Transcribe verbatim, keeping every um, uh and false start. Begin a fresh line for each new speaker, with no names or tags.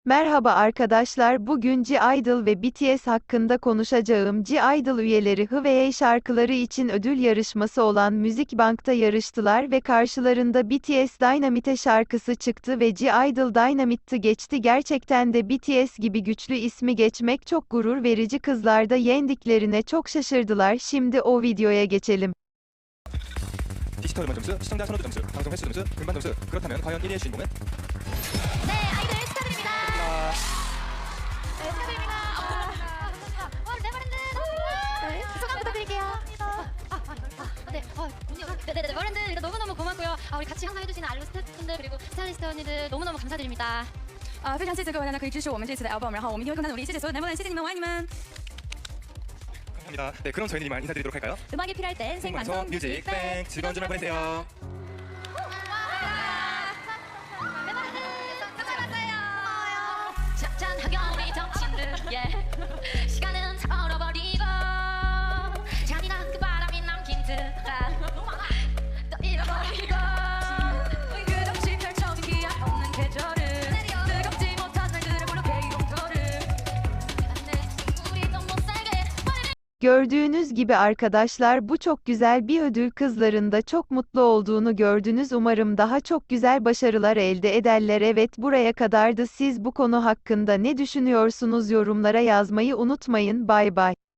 Merhaba arkadaşlar, bugün G-Idol ve B T S hakkında konuşacağım. G-Idol üyeleri Hwee şarkıları için ödül yarışması olan Music Bank'ta yarıştılar ve karşılarında B T S Dynamite şarkısı çıktı ve G-Idol Dynamite'ı geçti. Gerçekten de B T S gibi güçlü ismi geçmek çok gurur verici. Kızlar da yendiklerine çok şaşırdılar. Şimdi o videoya geçelim.
디지털 음원 점수, 시청자 선호도 점수, 방송 횟수 점수, 음반 점수. 그렇다면 과연 일 위의 주인공은?
네, 아이들 축하드립니다.
아,
네, 축하드립니다. 아, 와, 네버랜드. 네, 소감 부탁드릴게요. 아, 아, 아, 네, 어, 언니, 네, 네, 네, 네버랜드 일단 너무너무 고맙고요. 아, 우리 같이 항상 해주시는 알로 스태프분들 그리고 스타일리스트 언니들 너무너무 감사드립니다.
啊、非常谢谢各位大家可以支持我们这次的 album，然后我们一定会更加努力。谢谢所有 Neverland，谢谢你们，我爱你们。
감사합니다. 네, 그럼 저희는 이만 인사드리도록 할까요?
음악이 필요할 땐
생방송
생방송
뮤직 뱅 즐거운 주말 보내세요.
네버랜드 수고하셨어요. 짠짠하게 우리 정친들, 예. 시간은 얼어버리고 잔인한 그 바람이 남긴 듯한 또 잃어버리고 우리 끝없이 펼쳐진 기약 없는 계절을 뜨겁지 못한 날들을 불러 K공터를 우리 좀 못살게
Gördüğünüz gibi arkadaşlar, bu çok güzel bir ödül. Kızların da çok mutlu olduğunu gördünüz. Umarım daha çok güzel başarılar elde ederler. Evet, buraya kadardı. Siz bu konu hakkında ne düşünüyorsunuz? Yorumlara yazmayı unutmayın. Bay bay.